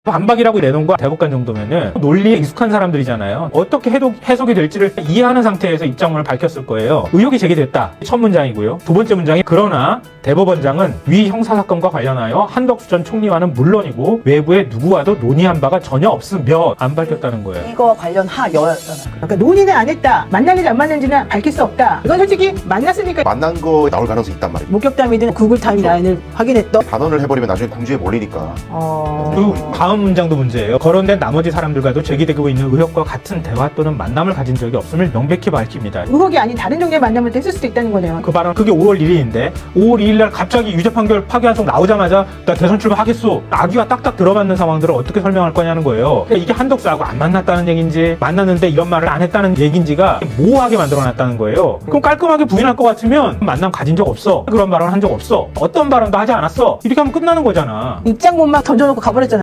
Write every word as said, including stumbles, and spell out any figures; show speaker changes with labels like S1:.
S1: 반박이라고 내놓은 거 대법관 정도면은 논리에 익숙한 사람들이잖아요. 어떻게 해도 해석이 될지를 이해하는 상태에서 입장문을 밝혔을 거예요. 의혹이 제기됐다. 첫 문장이고요. 두 번째 문장이 그러나 대법원장은 위 형사사건과 관련하여 한덕수 전 총리와는 물론이고 외부의 누구와도 논의한 바가 전혀 없으며 안 밝혔다는 거예요.
S2: 이거 관련 하여였잖아.
S3: 그러니까 논의는 안 했다. 만났는지 안 만났는지는 밝힐 수 없다. 이건 솔직히 만났으니까
S4: 만난 거 나올 가능성이 있단 말이에요.
S3: 목격담이든 구글 타임라인을 확인했던.
S4: 단언을 해버리면 나중에 궁지에 몰리니까.
S3: 어...
S1: 그 다음 문장도 문제예요. 거론된 나머지 사람들과도 제기되고 있는 의혹과 같은 대화 또는 만남을 가진 적이 없음을 명백히 밝힙니다.
S3: 의혹이 아닌 다른 종류의 만남을 했을 수도 있다는 거네요.
S1: 그 발언 그게 오월 일일인데 오월 이일날 갑자기 유죄 판결 파기환송 나오자마자 나 대선 출마하겠소. 아기가 딱딱 들어맞는 상황들을 어떻게 설명할 거냐는 거예요. 그러니까 이게 한덕수하고 안 만났다는 얘기인지 만났는데 이런 말을 안 했다는 얘기인지가 모호하게 만들어놨다는 거예요. 그럼 깔끔하게 부인할 것 같으면 만남 가진 적 없어. 그런 발언 한 적 없어. 어떤 발언도 하지 않았어. 이렇게 하면 끝나는 거잖아.
S3: 입장문만 던져놓고 가버렸잖아.